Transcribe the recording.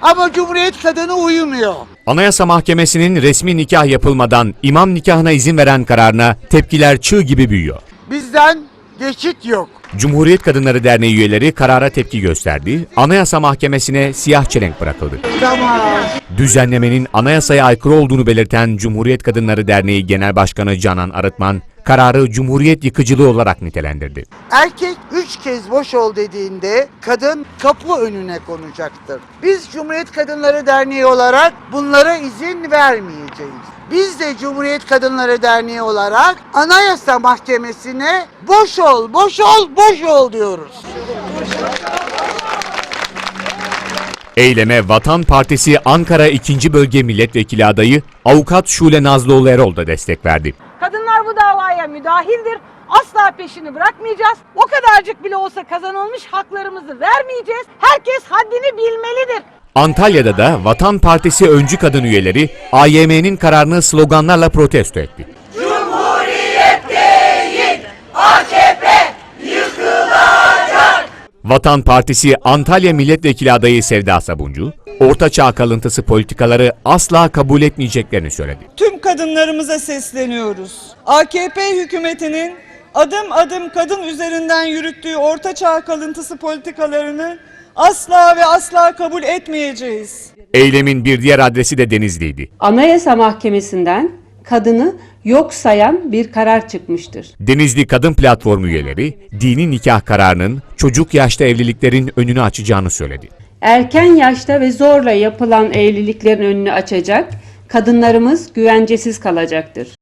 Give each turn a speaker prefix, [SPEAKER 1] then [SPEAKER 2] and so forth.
[SPEAKER 1] Ama Cumhuriyet kadını uyumuyor.
[SPEAKER 2] Anayasa Mahkemesi'nin resmi nikah yapılmadan imam nikahına izin veren kararına tepkiler çığ gibi büyüyor.
[SPEAKER 1] Bizden geçit yok.
[SPEAKER 2] Cumhuriyet Kadınları Derneği üyeleri karara tepki gösterdi. Anayasa Mahkemesi'ne siyah çelenk bırakıldı.
[SPEAKER 1] Tamam.
[SPEAKER 2] Düzenlemenin anayasaya aykırı olduğunu belirten Cumhuriyet Kadınları Derneği Genel Başkanı Canan Arıtman, kararı Cumhuriyet yıkıcılığı olarak nitelendirdi.
[SPEAKER 1] Erkek 3 kez boş ol dediğinde kadın kapı önüne konacaktır. Biz Cumhuriyet Kadınları Derneği olarak bunlara izin vermeyeceğiz. Biz de Cumhuriyet Kadınları Derneği olarak Anayasa Mahkemesi'ne boş ol, boş ol, boş ol diyoruz.
[SPEAKER 2] Eyleme Vatan Partisi Ankara 2. Bölge Milletvekili adayı Avukat Şule Nazlıoğlu Erol da destek verdi.
[SPEAKER 3] Kadınlar bu davaya müdahildir. Asla peşini bırakmayacağız. O kadarcık bile olsa kazanılmış haklarımızı vermeyeceğiz. Herkes haddini bilmelidir.
[SPEAKER 2] Antalya'da da Vatan Partisi öncü kadın üyeleri AYM'nin kararını sloganlarla protesto etti.
[SPEAKER 4] Cumhuriyet değil, AKP yıkılacak.
[SPEAKER 2] Vatan Partisi Antalya Milletvekili adayı Sevda Sabuncu, Orta Çağ kalıntısı politikaları asla kabul etmeyeceklerini söyledi.
[SPEAKER 5] Tüm kadınlarımıza sesleniyoruz. AKP hükümetinin adım adım kadın üzerinden yürüttüğü Orta Çağ kalıntısı politikalarını asla ve asla kabul etmeyeceğiz.
[SPEAKER 2] Eylemin bir diğer adresi de Denizli'ydi.
[SPEAKER 6] Anayasa Mahkemesi'nden kadını yok sayan bir karar çıkmıştır.
[SPEAKER 2] Denizli Kadın Platformu üyeleri, dini nikah kararının çocuk yaşta evliliklerin önünü açacağını söyledi.
[SPEAKER 6] Erken yaşta ve zorla yapılan evliliklerin önünü açacak, kadınlarımız güvencesiz kalacaktır.